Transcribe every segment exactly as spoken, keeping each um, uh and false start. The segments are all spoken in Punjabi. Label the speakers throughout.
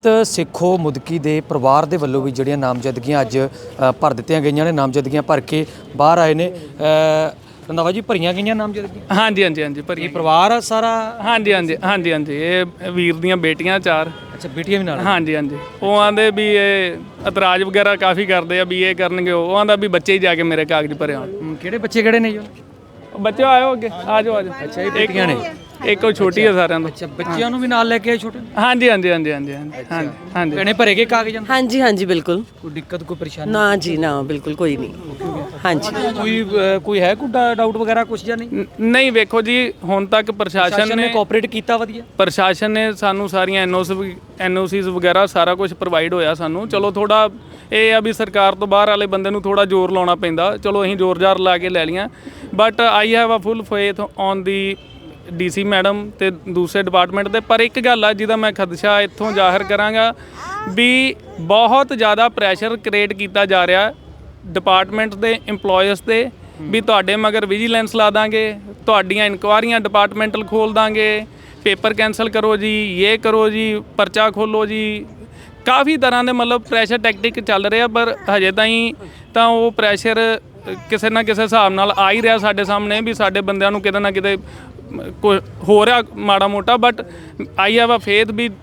Speaker 1: ਸਿੱਖੋ ਮੁਦਕੀ ਦੇ ਪਰਿਵਾਰ ਦੇ ਵੱਲੋਂ ਵੀ ਜਿਹੜੀਆਂ ਨਾਮਜ਼ਦਗੀਆਂ ਅੱਜ ਭਰ ਦਿੱਤੀਆਂ ਗਈਆਂ ਨੇ। ਨਾਮਜ਼ਦਗੀਆਂ ਭਰ ਕੇ ਬਾਹਰ ਆਏ ਨੇ। ਰੰਧਾਵਾ ਜੀ, ਭਰੀਆਂ ਗਈਆਂ ਨਾਮਜ਼ਦਗੀਆਂ?
Speaker 2: ਹਾਂਜੀ ਹਾਂਜੀ ਹਾਂਜੀ ਭਰੀ।
Speaker 1: ਪਰਿਵਾਰ ਆ ਸਾਰਾ?
Speaker 2: ਹਾਂਜੀ ਹਾਂਜੀ ਹਾਂਜੀ ਹਾਂਜੀ ਇਹ ਵੀਰ ਦੀਆਂ ਬੇਟੀਆਂ ਚਾਰ।
Speaker 1: ਅੱਛਾ, ਬੇਟੀਆਂ ਵੀ ਨਾਲ?
Speaker 2: ਹਾਂਜੀ ਹਾਂਜੀ। ਉਹ ਆਂਦੇ ਵੀ ਇਹ ਇਤਰਾਜ਼ ਵਗੈਰਾ ਕਾਫੀ ਕਰਦੇ ਆ ਵੀ ਇਹ ਕਰਨਗੇ। ਉਹ ਆਂਦਾ ਵੀ ਬੱਚੇ ਹੀ ਜਾ ਕੇ ਮੇਰੇ ਕਾਗਜ਼ ਭਰੇ ਆਉਣ।
Speaker 1: ਕਿਹੜੇ ਬੱਚੇ ਕਿਹੜੇ ਨੇ ਜੀ?
Speaker 2: ਬੱਚੇ ਆਇਓ ਅੱਗੇ, ਆ ਜਾਓ ਆ ਜਾਓ।
Speaker 1: ਅੱਛਾ, ਇਹ ਬੇਟੀਆਂ ਨੇ?
Speaker 2: ਇੱਕ ਉਹ ਛੋਟੀ ਆ ਸਾਰਿਆਂ ਤੋਂ।
Speaker 1: ਅੱਛਾ, ਬੱਚਿਆਂ ਨੂੰ ਵੀ ਨਾਲ ਲੈ ਕੇ ਆਏ ਛੋਟੇ?
Speaker 2: ਹਾਂਜੀ ਹਾਂਜੀ ਹਾਂਜੀ ਹਾਂਜੀ ਹਾਂਜੀ ਹਾਂਜੀ।
Speaker 1: ਭੈਣੇ ਭਰੇ ਗਏ ਕਾਗਜ਼?
Speaker 3: ਹਾਂਜੀ ਹਾਂਜੀ ਬਿਲਕੁਲ।
Speaker 1: ਕੋਈ ਦਿੱਕਤ ਕੋਈ ਪਰੇਸ਼ਾਨੀ?
Speaker 3: ਨਾ ਜੀ ਨਾ, ਬਿਲਕੁਲ ਕੋਈ ਨਹੀਂ। ਹਾਂਜੀ।
Speaker 1: ਕੋਈ ਕੋਈ ਹੈ ਕੋਈ ਡਾਊਟ ਵਗੈਰਾ ਕੁਝ ਜਾਂ ਨਹੀਂ?
Speaker 2: ਨਹੀਂ, ਵੇਖੋ ਜੀ ਹੁਣ ਤੱਕ ਪ੍ਰਸ਼ਾਸਨ ਨੇ
Speaker 1: ਕੋਆਪਰੇਟ ਕੀਤਾ ਵਧੀਆ।
Speaker 2: ਪ੍ਰਸ਼ਾਸਨ ਨੇ ਸਾਨੂੰ ਸਾਰੀਆਂ ਐਨਓਸੀ ਐਨਓਸੀਜ਼ ਵਗੈਰਾ ਸਾਰਾ ਕੁਝ ਪ੍ਰੋਵਾਈਡ ਹੋਇਆ ਸਾਨੂੰ। ਚਲੋ ਥੋੜਾ ਇਹ ਆ ਵੀ ਸਰਕਾਰ ਤੋਂ ਬਾਹਰ ਵਾਲੇ ਬੰਦੇ ਨੂੰ ਥੋੜਾ ਜ਼ੋਰ ਲਾਉਣਾ ਪੈਂਦਾ। ਚਲੋ ਅਸੀਂ ਜ਼ੋਰ ਜ਼ਾਰ ਲਾ ਕੇ ਲੈ ਲਈਆਂ, but I have a full faith on the DC madam ਤੇ ਦੂਸਰੇ ਡਿਪਾਰਟਮੈਂਟ ਦੇ। ਪਰ ਇੱਕ ਗੱਲ ਆ ਜਿਹਦਾ ਮੈਂ ਖਦਸ਼ਾ ਇੱਥੋਂ ਜ਼ਾਹਰ ਕਰਾਂਗਾ ਵੀ ਬਹੁਤ ਜ਼ਿਆਦਾ ਪ੍ਰੈਸ਼ਰ ਕ੍ਰੀਏਟ ਕੀਤਾ ਜਾ ਰਿਹਾ ਡਿਪਾਰਟਮੈਂਟ ਦੇ ਇੰਪਲੋਇਜ਼ ਤੇ ਵੀ ਤੁਹਾਡੇ ਮਗਰ ਵਿਜੀਲੈਂਸ ਲਾ ਦਾਂਗੇ, ਤੁਹਾਡੀਆਂ ਇਨਕੁਆਰੀਆਂ ਡਿਪਾਰਟਮੈਂਟਲ ਖੋਲ ਦਾਂਗੇ, ਪੇਪਰ ਕੈਂਸਲ ਕਰੋ ਜੀ, ਇਹ ਕਰੋ ਜੀ, ਪਰਚਾ ਖੋਲੋ ਜੀ। ਕਾਫੀ ਤਰ੍ਹਾਂ ਦੇ ਮਤਲਬ ਪ੍ਰੈਸ਼ਰ ਟੈਕਟਿਕ ਚੱਲ ਰਿਹਾ, ਪਰ ਹਜੇ ਤਾਈਂ ਤਾਂ ਉਹ ਪ੍ਰੈਸ਼ਰ ਕਿਸੇ ਨਾ ਕਿਸੇ ਹਿਸਾਬ ਨਾਲ ਆ ਹੀ ਰਿਹਾ ਸਾਡੇ ਸਾਹਮਣੇ ਵੀ ਸਾਡੇ ਬੰਦਿਆਂ ਨੂੰ ਕਿਤੇ ਨਾ ਕਿਤੇ ਕੋਈ ਹੋ ਰਿਹਾ ਮਾੜਾ ਮੋਟਾ। But I have a faith ਵੀ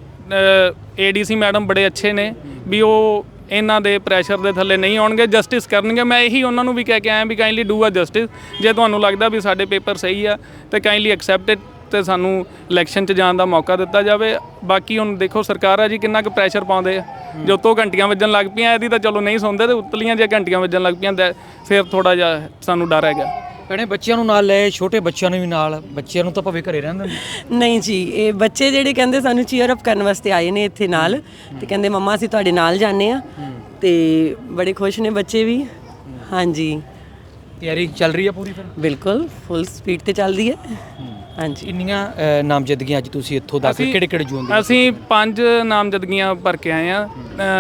Speaker 2: ਏਡੀਸੀ ਮੈਡਮ ਬੜੇ ਅੱਛੇ ਨੇ ਵੀ ਉਹ ਇਹਨਾਂ ਦੇ ਪ੍ਰੈਸ਼ਰ ਦੇ ਥੱਲੇ ਨਹੀਂ ਆਉਣਗੇ, ਜਸਟਿਸ ਕਰਨਗੇ। ਮੈਂ ਇਹੀ ਉਹਨਾਂ ਨੂੰ ਵੀ ਕਹਿ ਕੇ ਆਇਆ ਵੀ ਕਾਈਂਡਲੀ ਡੂ ਅ ਜਸਟਿਸ। ਜੇ ਤੁਹਾਨੂੰ ਲੱਗਦਾ ਵੀ ਸਾਡੇ ਪੇਪਰ ਸਹੀ ਆ ਤਾਂ ਕਾਈਂਡਲੀ ਐਕਸੈਪਟ ਇਟ ਤੇ ਸਾਨੂੰ ਇਲੈਕਸ਼ਨ 'ਚ ਜਾਣ ਦਾ ਮੌਕਾ ਦਿੱਤਾ ਜਾਵੇ। ਬਾਕੀ ਹੁਣ ਦੇਖੋ ਸਰਕਾਰ ਆ ਜੀ ਕਿੰਨਾ ਕੁ ਪ੍ਰੈਸ਼ਰ ਪਾਉਂਦੇ ਆ। ਜੋ ਉੱਤੋਂ ਘੰਟੀਆਂ ਵੱਜਣ ਲੱਗ ਪਈਆਂ ਇਹਦੀ ਤਾਂ ਚਲੋ ਨਹੀਂ ਸੁਣਦੇ, ਤੇ ਉਤਲੀਆਂ ਜੇ ਘੰਟੀਆਂ ਵੱਜਣ ਲੱਗ ਪਈਆਂ ਤਾਂ ਫਿਰ ਥੋੜਾ ਜਿਹਾ ਸਾਨੂੰ ਡਰ ਹੈਗਾ।
Speaker 1: ਭੈਣੇ ਬੱਚਿਆਂ ਨੂੰ ਨਾਲ ਲੈ, ਛੋਟੇ ਬੱਚਿਆਂ ਨੂੰ ਵੀ ਨਾਲ? ਬੱਚਿਆਂ ਨੂੰ ਤਾਂ ਭਾਵੇਂ ਘਰੇ ਰਹਿੰਦੇ ਨੇ।
Speaker 3: ਨਹੀਂ ਜੀ, ਇਹ ਬੱਚੇ ਜਿਹੜੇ ਕਹਿੰਦੇ ਸਾਨੂੰ ਚੀਅਰ ਅਪ ਕਰਨ ਵਾਸਤੇ ਆਏ ਨੇ ਇੱਥੇ ਨਾਲ, ਤੇ ਕਹਿੰਦੇ ਮੰਮਾ ਅਸੀਂ ਤੁਹਾਡੇ ਨਾਲ ਜਾਂਦੇ ਆ, ਤੇ ਬੜੇ ਖੁਸ਼ ਨੇ ਬੱਚੇ ਵੀ। ਹਾਂਜੀ,
Speaker 1: ਤਿਆਰੀ ਚੱਲ ਰਹੀ ਆ ਪੂਰੀ ਫਿਰ?
Speaker 3: ਬਿਲਕੁਲ ਫੁੱਲ ਸਪੀਡ ਤੇ ਚੱਲਦੀ ਹੈ। ਹਾਂਜੀ।
Speaker 1: ਇੰਨੀਆਂ ਨਾਮਜ਼ਦਗੀਆਂ ਅੱਜ ਤੁਸੀਂ ਇੱਥੋਂ ਦਾਖਲ ਕਿਹੜੇ ਕਿਹੜੇ ਜ਼ੋਨ ਦੇ?
Speaker 2: ਅਸੀਂ ਪੰਜ ਨਾਮਜ਼ਦਗੀਆਂ ਭਰ ਕੇ ਆਏ ਆ।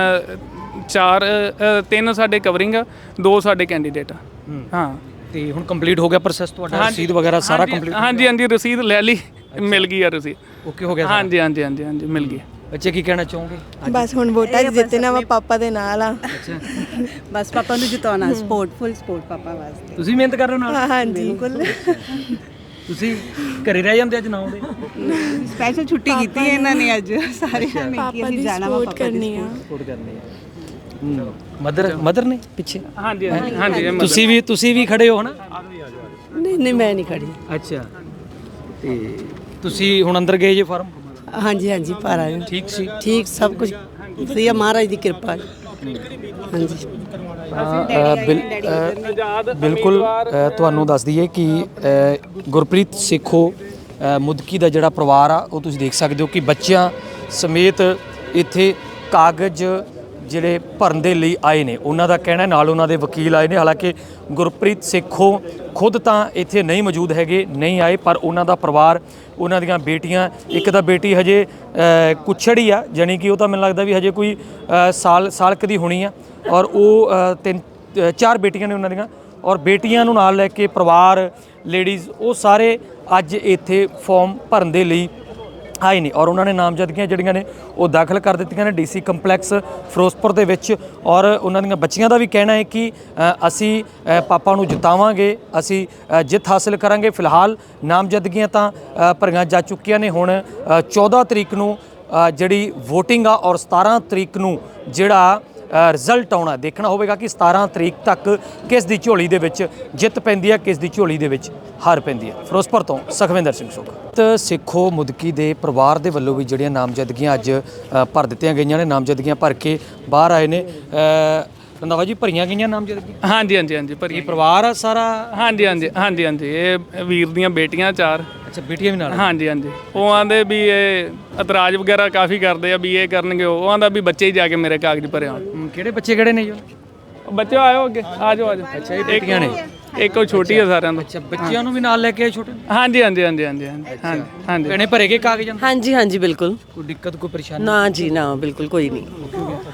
Speaker 2: ਚਾਰ ਤਿੰਨ ਸਾਡੇ ਕਵਰਿੰਗ ਆ, ਦੋ ਸਾਡੇ ਕੈਂਡੀਡੇਟ ਆ। ਹਾਂ, ਤੇ
Speaker 1: ਹੁਣ ਕੰਪਲੀਟ ਹੋ ਗਿਆ ਪ੍ਰੋਸੈਸ ਤੁਹਾਡਾ? ਰਸੀਦ ਵਗੈਰਾ ਸਾਰਾ ਕੰਪਲੀਟ?
Speaker 2: ਹਾਂਜੀ ਹਾਂਜੀ, ਰਸੀਦ ਲੈ ਲਈ, ਮਿਲ ਗਈ ਆ ਰਸੀਦ।
Speaker 1: ਓਕੇ ਹੋ ਗਿਆ?
Speaker 2: ਹਾਂਜੀ ਹਾਂਜੀ ਹਾਂਜੀ ਹਾਂਜੀ ਮਿਲ ਗਈ।
Speaker 1: ਬੱਚੇ ਕੀ ਕਹਿਣਾ ਚਾਹੋਗੇ?
Speaker 4: ਬਸ ਹੁਣ ਵੋਟਾਂ ਜਿੱਤਣਾ ਵਾ, ਪਾਪਾ ਦੇ ਨਾਲ ਆ।
Speaker 1: ਅੱਛਾ,
Speaker 5: ਬਸ ਪਾਪਾ ਨੂੰ ਜਿਤਾਉਣਾ, ਸਪੋਰਟ ਫੁੱਲ ਸਪੋਰਟ ਪਾਪਾ ਵਾਸਤੇ।
Speaker 1: ਤੁਸੀਂ ਮਿਹਨਤ ਕਰ ਰਹੇ ਹੋ ਨਾਲ?
Speaker 4: ਹਾਂਜੀ ਬਿਲਕੁਲ।
Speaker 1: ਤੁਸੀਂ ਘਰੇ ਰਹਿ ਜਾਂਦੇ ਅੱਜ ਨਾ ਆਉਂਦੇ?
Speaker 5: ਸਪੈਸ਼ਲ ਛੁੱਟੀ ਕੀਤੀ ਹੈ ਇਹਨਾਂ ਨੇ ਅੱਜ ਸਾਰਿਆਂ ਨੇ ਕਿ ਅਸੀਂ ਜਾਣਾ ਵਾ, ਪਾਪਾ
Speaker 4: ਕਰਨੀ ਆ।
Speaker 1: ਸਪੋਰਟ ਕਰਨੀ ਹੈ। ਮਦਰ ਮਦਰ ਨੇ ਪਿੱਛੇ?
Speaker 2: ਹਾਂਜੀ ਹਾਂਜੀ।
Speaker 1: ਤੁਸੀਂ ਵੀ ਤੁਸੀਂ ਵੀ ਖੜੇ ਹੋ ਨਾ?
Speaker 4: ਨਹੀਂ ਨਹੀਂ, ਮੈਂ ਨਹੀਂ ਖੜੀ।
Speaker 1: ਅੱਛਾ, ਤੇ ਤੁਸੀਂ ਹੁਣ ਅੰਦਰ ਗਏ ਜੇ ਫਾਰਮ?
Speaker 4: ਹਾਂਜੀ ਹਾਂਜੀ, ਭਰ ਆਏ।
Speaker 1: ਠੀਕ ਸੀ?
Speaker 4: ਠੀਕ, ਸਭ ਕੁਝ ਵਧੀਆ, ਮਹਾਰਾਜ ਦੀ ਕਿਰਪਾ ਹੈ। ਹਾਂਜੀ,
Speaker 1: ਬਿਲਕੁਲ। ਤੁਹਾਨੂੰ ਦੱਸ ਦਈਏ ਕਿ ਗੁਰਪ੍ਰੀਤ ਸੇਖੋ ਮੁਦਕੀ ਦਾ ਜਿਹੜਾ ਪਰਿਵਾਰ ਆ ਉਹ ਤੁਸੀਂ ਦੇਖ ਸਕਦੇ ਹੋ ਕਿ ਬੱਚਿਆਂ ਸਮੇਤ ਇੱਥੇ ਕਾਗਜ਼ ਜਿਹੜੇ ਭਰਨ ਦੇ ਲਈ ਆਏ ਨੇ। ਉਹਨਾਂ ਦਾ ਕਹਿਣਾ, ਨਾਲ ਉਹਨਾਂ ਦੇ ਵਕੀਲ ਆਏ ਨੇ। ਹਾਲਾਂਕਿ ਗੁਰਪ੍ਰੀਤ ਸੇਖੋ ਖੁਦ ਤਾਂ ਇੱਥੇ ਨਹੀਂ ਮੌਜੂਦ ਹੈਗੇ, ਨਹੀਂ ਆਏ, ਪਰ ਉਹਨਾਂ ਦਾ ਪਰਿਵਾਰ, ਉਹਨਾਂ ਦੀਆਂ ਬੇਟੀਆਂ, ਇੱਕ ਤਾਂ ਬੇਟੀ ਹਜੇ ਕੁਛੜ ਹੀ ਆ, ਜਾਣੀ ਕਿ ਉਹ ਤਾਂ ਮੈਨੂੰ ਲੱਗਦਾ ਵੀ ਹਜੇ ਕੋਈ ਸਾਲ ਸਾਲ ਕੁ ਦੀ ਹੋਣੀ ਆ, ਔਰ ਉਹ ਤਿੰਨ ਚਾਰ ਬੇਟੀਆਂ ਨੇ ਉਹਨਾਂ ਦੀਆਂ, ਔਰ ਬੇਟੀਆਂ ਨੂੰ ਨਾਲ ਲੈ ਕੇ ਪਰਿਵਾਰ, ਲੇਡੀਜ਼, ਉਹ ਸਾਰੇ ਅੱਜ ਇੱਥੇ ਫਾਰਮ ਭਰਨ ਦੇ ਲਈ ਆਏ ਨੇ। ਔਰ ਉਹਨਾਂ ਨੇ ਨਾਮਜ਼ਦਗੀਆਂ ਜਿਹੜੀਆਂ ਨੇ ਉਹ ਦਾਖਲ ਕਰ ਦਿੱਤੀਆਂ ਨੇ ਡੀਸੀ ਕੰਪਲੈਕਸ ਫਿਰੋਜ਼ਪੁਰ ਦੇ ਵਿੱਚ। ਔਰ ਉਹਨਾਂ ਦੀਆਂ ਬੱਚੀਆਂ ਦਾ ਵੀ ਕਹਿਣਾ ਹੈ ਕਿ ਅਸੀਂ ਪਾਪਾ ਨੂੰ ਜਿਤਾਵਾਂਗੇ, ਅਸੀਂ ਜਿੱਤ ਹਾਸਲ ਕਰਾਂਗੇ। ਫਿਲਹਾਲ ਨਾਮਜ਼ਦਗੀਆਂ ਤਾਂ ਭਰੀਆਂ ਜਾ ਚੁੱਕੀਆਂ ਨੇ। ਹੁਣ ਚੌਦਾਂ ਤਰੀਕ ਨੂੰ ਜਿਹੜੀ ਵੋਟਿੰਗ ਆ, ਔਰ ਸਤਾਰਾਂ ਤਰੀਕ ਨੂੰ ਜਿਹੜਾ ਰਿਜ਼ਲਟ ਆਉਣਾ, ਦੇਖਣਾ ਹੋਵੇਗਾ ਕਿ ਸਤਾਰਾਂ ਤਰੀਕ ਤੱਕ ਕਿਸ ਦੀ ਝੋਲੀ ਦੇ ਵਿੱਚ ਜਿੱਤ ਪੈਂਦੀ ਹੈ, ਕਿਸ ਦੀ ਝੋਲੀ ਦੇ ਵਿੱਚ ਹਾਰ ਪੈਂਦੀ ਹੈ। ਫਿਰੋਜ਼ਪੁਰ ਤੋਂ ਸੁਖਵਿੰਦਰ ਸਿੰਘ ਸੋਖਾ। ਸਿੱਖੋ ਮੁਦਕੀ ਦੇ ਪਰਿਵਾਰ ਦੇ ਵੱਲੋਂ ਵੀ ਜਿਹੜੀਆਂ ਨਾਮਜ਼ਦਗੀਆਂ ਅੱਜ ਭਰ ਦਿੱਤੀਆਂ ਗਈਆਂ ਨੇ। ਨਾਮਜ਼ਦਗੀਆਂ ਭਰ ਕੇ ਬਾਹਰ ਆਏ ਨੇ। ਰੰਧਾਵਾ ਜੀ, ਭਰੀਆਂ ਗਈਆਂ ਨਾਮਜ਼ਦਗੀਆਂ?
Speaker 2: ਹਾਂਜੀ ਹਾਂਜੀ ਹਾਂਜੀ ਭਰੀ।
Speaker 1: ਪਰਿਵਾਰ ਆ ਸਾਰਾ?
Speaker 2: ਹਾਂਜੀ ਹਾਂਜੀ ਹਾਂਜੀ ਹਾਂਜੀ ਇਹ ਵੀਰ ਦੀਆਂ ਬੇਟੀਆਂ ਚਾਰ।
Speaker 1: ਅੱਛਾ, ਬੇਟੀਆਂ ਵੀ ਨਾਲ?
Speaker 2: ਹਾਂਜੀ ਹਾਂਜੀ। ਉਹ ਆਂਦੇ ਵੀ ਇਹ ਇਤਰਾਜ਼ ਵਗੈਰਾ ਕਾਫੀ ਕਰਦੇ ਆ ਵੀ ਇਹ ਕਰਨਗੇ। ਉਹ ਆਂਦਾ ਵੀ ਬੱਚੇ ਹੀ ਜਾ ਕੇ ਮੇਰੇ ਕਾਗਜ਼ ਭਰੇ ਆਉਣ।
Speaker 1: ਕਿਹੜੇ ਬੱਚੇ ਕਿਹੜੇ ਨੇ ਜੀ?
Speaker 2: ਬੱਚੇ ਆਇਓ ਅੱਗੇ, ਆ ਜਾਓ ਆ ਜਾਓ।
Speaker 1: ਅੱਛਾ, ਇਹ ਬੇਟੀਆਂ ਨੇ?
Speaker 2: ਇੱਕ ਉਹ ਛੋਟੀ ਆ ਸਾਰਿਆਂ ਤੋਂ।
Speaker 1: ਅੱਛਾ, ਬੱਚਿਆਂ ਨੂੰ ਵੀ ਨਾਲ ਲੈ ਕੇ ਆਏ ਛੋਟੇ?
Speaker 2: ਹਾਂਜੀ ਹਾਂਜੀ ਹਾਂਜੀ ਹਾਂਜੀ ਹਾਂਜੀ ਹਾਂਜੀ।
Speaker 1: ਭੈਣੇ ਭਰੇ ਗਏ ਕਾਗਜ਼?
Speaker 3: ਹਾਂਜੀ ਹਾਂਜੀ, ਬਿਲਕੁਲ।
Speaker 1: ਕੋਈ ਦਿੱਕਤ ਕੋਈ ਪਰੇਸ਼ਾਨੀ?
Speaker 3: ਨਾ ਜੀ ਨਾ, ਬਿਲਕੁਲ ਕੋਈ ਨਹੀਂ।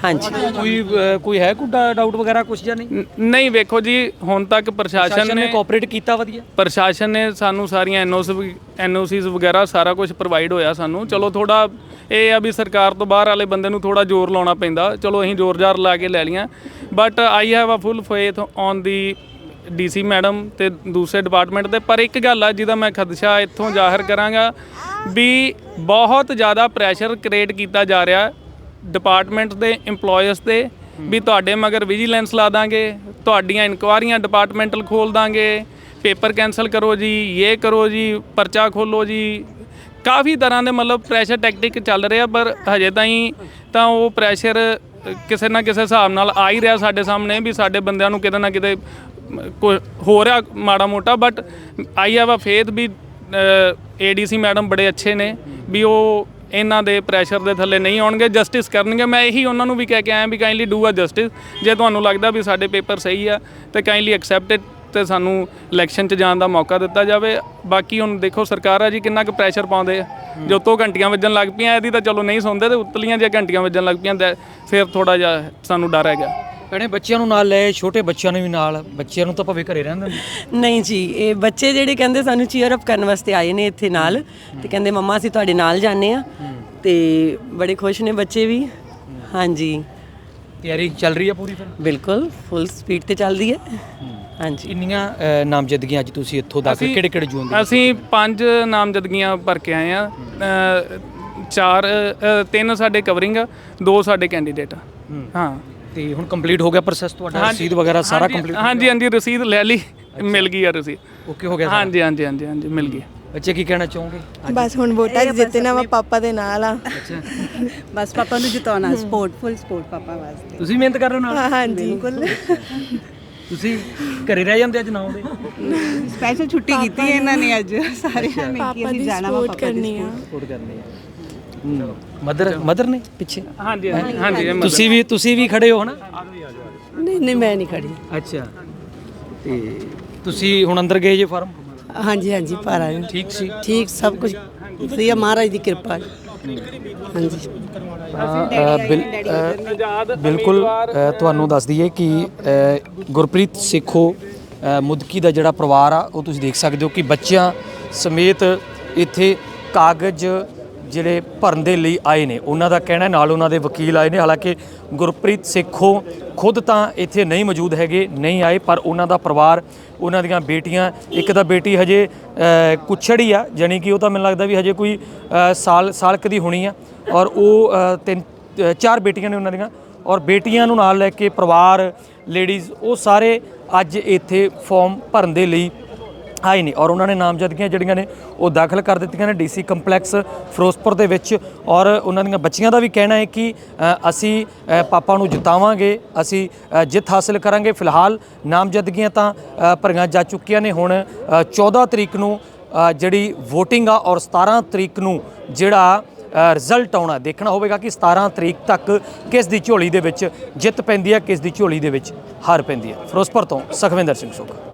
Speaker 3: ਹਾਂਜੀ
Speaker 1: ਕੋਈ ਅ, ਕੋਈ ਹੈ ਕੋਈ ਡਾਊਟ ਵਗੈਰਾ ਕੁਝ ਜਾਂ ਨਹੀਂ?
Speaker 2: ਨ- ਨਹੀਂ ਵੇਖੋ ਜੀ ਹੁਣ ਤੱਕ ਪ੍ਰਸ਼ਾਸਨ
Speaker 1: ਸ਼ਾਸਨ ਨੇ
Speaker 2: ਨੇ
Speaker 1: ਕੋਆਪਰੇਟ ਕੀਤਾ ਵਧੀਆ?
Speaker 2: ਪ੍ਰਸ਼ਾਸਨ ਨੇ ਸਾਨੂੰ ਸਾਰੀਆਂ ਐਨਓਸੀ ਐਨਓਸੀਜ਼ ਵਗੈਰਾ ਸਾਰਾ ਕੁਝ ਪ੍ਰੋਵਾਈਡ ਹੋਇਆ ਸਾਨੂੰ। ਚਲੋ ਥੋੜਾ ਇਹ ਆ ਵੀ ਸਰਕਾਰ ਤੋਂ ਬਾਹਰ ਵਾਲੇ ਬੰਦੇ ਨੂੰ ਥੋੜਾ ਜ਼ੋਰ ਲਾਉਣਾ ਪੈਂਦਾ, ਚਲੋ ਅਸੀਂ ਜ਼ੋਰ ਜ਼ਾਰ ਲਾ ਕੇ ਲੈ ਲਈਆਂ। But I have a full faith on the DC madam ਤੇ ਦੂਸਰੇ ਡਿਪਾਰਟਮੈਂਟ ਦੇ। ਪਰ ਇੱਕ ਗੱਲ ਆ ਜਿਹਦਾ ਮੈਂ ਖਦਸ਼ਾ ਇੱਥੋਂ ਜ਼ਾਹਰ ਕਰਾਂਗਾ ਵੀ ਬਹੁਤ ਜ਼ਿਆਦਾ ਪ੍ਰੈਸ਼ਰ ਕ੍ਰੀਏਟ ਕੀਤਾ ਜਾ ਰਿਹਾ ਡਿਪਾਰਟਮੈਂਟ ਦੇ EMPLOYEES ਤੇ ਵੀ ਤੁਹਾਡੇ ਮਗਰ ਵਿਜੀਲੈਂਸ ਲਾ ਦਾਂਗੇ, ਤੁਹਾਡੀਆਂ ਇਨਕੁਆਰੀਆਂ ਡਿਪਾਰਟਮੈਂਟਲ ਖੋਲ ਦਾਂਗੇ, ਪੇਪਰ ਕੈਂਸਲ ਕਰੋ ਜੀ, ਇਹ ਕਰੋ ਜੀ, ਪਰਚਾ ਖੋਲੋ ਜੀ। ਕਾਫੀ ਤਰ੍ਹਾਂ ਦੇ ਮਤਲਬ ਪ੍ਰੈਸ਼ਰ ਟੈਕਟਿਕ ਚੱਲ ਰਿਹਾ, ਪਰ ਹਜੇ ਤਾਈਂ ਤਾਂ ਉਹ ਪ੍ਰੈਸ਼ਰ ਕਿਸੇ ਨਾ ਕਿਸੇ ਹਿਸਾਬ ਨਾਲ ਆ ਹੀ ਰਿਹਾ ਸਾਡੇ ਸਾਹਮਣੇ ਵੀ ਸਾਡੇ ਬੰਦਿਆਂ ਨੂੰ ਕਿਤੇ ਨਾ ਕਿਤੇ ਕੋਈ ਹੋ ਰਿਹਾ ਮਾੜਾ ਮੋਟਾ। But I have a faith ਵੀ ਏਡੀਸੀ ਮੈਡਮ ਬੜੇ ਅੱਛੇ ਨੇ ਵੀ ਉਹ ਇਹਨਾਂ ਦੇ ਪ੍ਰੈਸ਼ਰ ਦੇ ਥੱਲੇ ਨਹੀਂ ਆਉਣਗੇ, ਜਸਟਿਸ ਕਰਨਗੇ। ਮੈਂ ਇਹੀ ਉਹਨਾਂ ਨੂੰ ਵੀ ਕਹਿ ਕੇ ਆਇਆ ਵੀ ਕਾਈਂਡਲੀ ਡੂ ਅ ਜਸਟਿਸ। ਜੇ ਤੁਹਾਨੂੰ ਲੱਗਦਾ ਵੀ ਸਾਡੇ ਪੇਪਰ ਸਹੀ ਆ ਤੇ ਕਾਈਂਡਲੀ ਐਕਸੈਪਟ ਇਟ ਤੇ ਸਾਨੂੰ ਇਲੈਕਸ਼ਨ 'ਚ ਜਾਣ ਦਾ ਮੌਕਾ ਦਿੱਤਾ ਜਾਵੇ। ਬਾਕੀ ਹੁਣ ਦੇਖੋ ਸਰਕਾਰ ਆ ਜੀ ਕਿੰਨਾ ਕੁ ਪ੍ਰੈਸ਼ਰ ਪਾਉਂਦੇ ਆ। ਜੋ ਤੋਂ ਘੰਟੀਆਂ ਵੱਜਣ ਲੱਗ ਪਈਆਂ ਇਹਦੀ ਤਾਂ ਚਲੋ ਨਹੀਂ ਸੁਣਦੇ, ਤੇ ਉਤਲੀਆਂ ਜੇ ਘੰਟੀਆਂ ਵੱਜਣ ਲੱਗ ਪਈਆਂ ਤਾਂ ਫਿਰ ਥੋੜਾ ਜਿਹਾ ਸਾਨੂੰ ਡਰ ਹੈਗਾ।
Speaker 1: ਭੈਣੇ ਬੱਚਿਆਂ ਨੂੰ ਨਾਲ ਲੈ, ਛੋਟੇ ਬੱਚਿਆਂ ਨੂੰ ਵੀ ਨਾਲ, ਬੱਚਿਆਂ ਨੂੰ ਤਾਂ ਭਾਵੇਂ ਘਰੇ ਰਹਿਣ ਦਿੰਦੇ।
Speaker 3: ਨਹੀਂ ਜੀ, ਇਹ ਬੱਚੇ ਜਿਹੜੇ ਕਹਿੰਦੇ ਸਾਨੂੰ ਚੀਅਰ ਅਪ ਕਰਨ ਵਾਸਤੇ ਆਏ ਨੇ ਇੱਥੇ ਨਾਲ, ਤੇ ਕਹਿੰਦੇ ਮੰਮਾ ਅਸੀਂ ਤੁਹਾਡੇ ਨਾਲ ਜਾਂਦੇ ਆ, ਤੇ ਬੜੇ ਖੁਸ਼ ਨੇ ਬੱਚੇ ਵੀ। ਹਾਂਜੀ
Speaker 1: ਤਿਆਰੀ ਚੱਲ ਰਹੀ ਹੈ ਪੂਰੀ ਫਿਰ?
Speaker 3: ਬਿਲਕੁਲ ਫੁੱਲ ਸਪੀਡ ਤੇ ਚੱਲਦੀ ਹੈ। ਹਾਂਜੀ
Speaker 1: ਇੰਨੀਆਂ ਅ, ਨਾਮਜ਼ਦਗੀਆਂ ਅੱਜ ਤੁਸੀਂ ਇੱਥੋਂ ਦਾਖਲ ਕਿਹੜੇ ਕਿਹੜੇ ਜੂਨ ਦੇ?
Speaker 2: ਅਸੀਂ ਪੰਜ ਨਾਮਜ਼ਦਗੀਆਂ ਭਰ ਕੇ ਆਏ ਆ। ਚਾਰ ਅ, ਤਿੰਨ ਸਾਡੇ ਕਵਰਿੰਗ ਆ, ਦੋ ਸਾਡੇ ਕੈਂਡੀਡੇਟ ਆ। ਹਾਂ
Speaker 1: ਤੇ ਹੁਣ ਕੰਪਲੀਟ ਹੋ ਗਿਆ ਪ੍ਰੋਸੈਸ ਤੁਹਾਡਾ? ਰਸੀਦ ਵਗੈਰਾ ਸਾਰਾ ਕੰਪਲੀਟ?
Speaker 2: ਹਾਂਜੀ ਹਾਂਜੀ ਰਸੀਦ ਲੈ ਲਈ, ਮਿਲ ਗਈ ਆ ਰਸੀਦ।
Speaker 1: ਓਕੇ ਹੋ ਗਿਆ?
Speaker 2: ਹਾਂਜੀ ਹਾਂਜੀ ਹਾਂਜੀ ਹਾਂਜੀ ਮਿਲ ਗਈ।
Speaker 1: ਬੱਚੇ ਕੀ ਕਹਿਣਾ ਚਾਹੋਗੇ?
Speaker 6: ਬਸ ਹੁਣ ਵੋਟਾਂ 'ਚ ਜਿੱਤਣਾ ਵਾ, ਪਾਪਾ ਦੇ ਨਾਲ ਆ।
Speaker 5: ਬਸ ਪਾਪਾ ਨੂੰ ਜਿਤਾਉਣਾ, ਸਪੋਰਟ ਫੁੱਲ ਸਪੋਰਟ ਪਾਪਾ ਵਾਸਤੇ।
Speaker 1: ਤੁਸੀਂ ਮਿਹਨਤ ਕਰ ਰਹੇ ਹੋ ਨਾਲ?
Speaker 6: ਹਾਂ ਹਾਂਜੀ ਬਿਲਕੁਲ।
Speaker 1: ਤੁਸੀਂ ਘਰੇ ਰਹਿ ਜਾਂਦੇ ਅੱਜ ਨਾ ਆਉਂਦੇ?
Speaker 5: ਸਪੈਸ਼ਲ ਛੁੱਟੀ ਕੀਤੀ ਹੈ ਇਹਨਾਂ ਨੇ ਅੱਜ ਸਾਰਿਆਂ ਨੇ ਕਿ ਅਸੀਂ ਜਾਣਾ ਵਾ ਪਾਪਾ ਦੀ
Speaker 1: ਸਪੋਰਟ ਕਰਨੀ ਹੈ। ਮਦਰ ਮਦਰ ਨੇ ਪਿੱਛੇ?
Speaker 2: ਹਾਂਜੀ ਹਾਂਜੀ ਹਾਂਜੀ ਇਹ
Speaker 1: ਤੁਸੀਂ ਵੀ ਤੁਸੀਂ ਵੀ ਖੜੇ ਹੋ ਹਨਾ?
Speaker 4: ਨਹੀਂ ਨਹੀਂ ਮੈਂ ਨਹੀਂ ਖੜੀ।
Speaker 1: ਅੱਛਾ, ਤੇ ਤੁਸੀਂ ਹੁਣ ਅੰਦਰ ਗਏ ਜੇ ਫਾਰਮ?
Speaker 4: ਹਾਂਜੀ ਹਾਂਜੀ ਭਰ ਆਏ।
Speaker 1: ਠੀਕ ਸੀ?
Speaker 4: ਠੀਕ ਸਭ ਕੁਝ ਵਧੀਆ, ਮਹਾਰਾਜ ਦੀ ਕਿਰਪਾ ਹੈ। ਹਾਂਜੀ
Speaker 1: ਅ, ਬਿਲ- ਅ, ਬਿਲਕੁਲ ਅ, ਤੁਹਾਨੂੰ ਦੱਸ ਦਈਏ ਕਿ ਅ, ਗੁਰਪ੍ਰੀਤ ਸੇਖੋ ਅ, ਮੁਦਕੀ ਦਾ ਜਿਹੜਾ ਪਰਿਵਾਰ ਆ ਉਹ ਤੁਸੀਂ ਦੇਖ ਸਕਦੇ ਹੋ ਕਿ ਬੱਚਿਆਂ ਸਮੇਤ ਇੱਥੇ ਕਾਗਜ਼ ਜਿਹੜੇ ਭਰਨ ਦੇ ਲਈ ਆਏ ਨੇ। ਉਹਨਾਂ ਦਾ ਕਹਿਣਾ ਨਾਲ ਉਹਨਾਂ ਦੇ ਵਕੀਲ ਆਏ ਨੇ। ਹਾਲਾਂਕਿ ਗੁਰਪ੍ਰੀਤ ਸੇਖੋ ਖੁਦ ਤਾਂ ਇੱਥੇ ਨਹੀਂ ਮੌਜੂਦ ਹੈਗੇ, ਨਹੀਂ ਆਏ, ਪਰ ਉਹਨਾਂ ਦਾ ਪਰਿਵਾਰ, ਉਹਨਾਂ ਦੀਆਂ ਬੇਟੀਆਂ, ਇੱਕ ਤਾਂ ਬੇਟੀ ਹਜੇ ਕੁੱਛੜ ਹੀ ਆ, ਜਾਣੀ ਕਿ ਉਹ ਤਾਂ ਮੈਨੂੰ ਲੱਗਦਾ ਵੀ ਹਜੇ ਕੋਈ ਅ, ਸਾਲ ਸਾਲ ਕੁ ਦੀ ਹੋਣੀ ਆ, ਔਰ ਉਹ ਅ, ਤਿੰਨ ਅ, ਚਾਰ ਬੇਟੀਆਂ ਨੇ ਉਹਨਾਂ ਦੀਆਂ, ਔਰ ਬੇਟੀਆਂ ਨੂੰ ਨਾਲ ਲੈ ਕੇ ਪਰਿਵਾਰ, ਲੇਡੀਜ਼, ਉਹ ਸਾਰੇ ਅੱਜ ਇੱਥੇ ਫਾਰਮ ਭਰਨ ਦੇ ਲਈ ਆਏ ਨੇ। ਔਰ ਉਹਨਾਂ ਨੇ ਨਾਮਜ਼ਦਗੀਆਂ ਜਿਹੜੀਆਂ ਨੇ ਉਹ ਦਾਖਲ ਕਰ ਦਿੱਤੀਆਂ ਨੇ ਡੀਸੀ ਕੰਪਲੈਕਸ ਫਿਰੋਜ਼ਪੁਰ ਦੇ ਵਿੱਚ। ਔਰ ਉਹਨਾਂ ਦੀਆਂ ਬੱਚੀਆਂ ਦਾ ਵੀ ਕਹਿਣਾ ਹੈ ਕਿ ਅ, ਅਸੀਂ ਅ, ਪਾਪਾ ਨੂੰ ਜਿਤਾਵਾਂਗੇ, ਅਸੀਂ ਅ, ਜਿੱਤ ਹਾਸਲ ਕਰਾਂਗੇ। ਫਿਲਹਾਲ ਨਾਮਜ਼ਦਗੀਆਂ ਤਾਂ ਅ, ਭਰੀਆਂ ਜਾ ਚੁੱਕੀਆਂ ਨੇ। ਹੁਣ ਅ, ਚੌਦਾਂ ਤਰੀਕ ਨੂੰ ਅ, ਜਿਹੜੀ ਵੋਟਿੰਗ ਆ, ਔਰ ਸਤਾਰਾਂ ਤਰੀਕ ਨੂੰ ਜਿਹੜਾ ਰਿਜ਼ਲਟ ਆਉਣਾ, ਦੇਖਣਾ ਹੋਵੇਗਾ ਕਿ ਸਤਾਰਾਂ ਤਰੀਕ ਤੱਕ ਕਿਸ ਦੀ ਝੋਲੀ ਦੇ ਵਿੱਚ ਜਿੱਤ ਪੈਂਦੀ ਹੈ, ਕਿਸ ਦੀ ਝੋਲੀ ਦੇ ਵਿੱਚ ਹਾਰ ਪੈਂਦੀ ਹੈ। ਫਿਰੋਜ਼ਪੁਰ ਤੋਂ ਸੁਖਵਿੰਦਰ ਸਿੰਘ ਸੁੱਖ।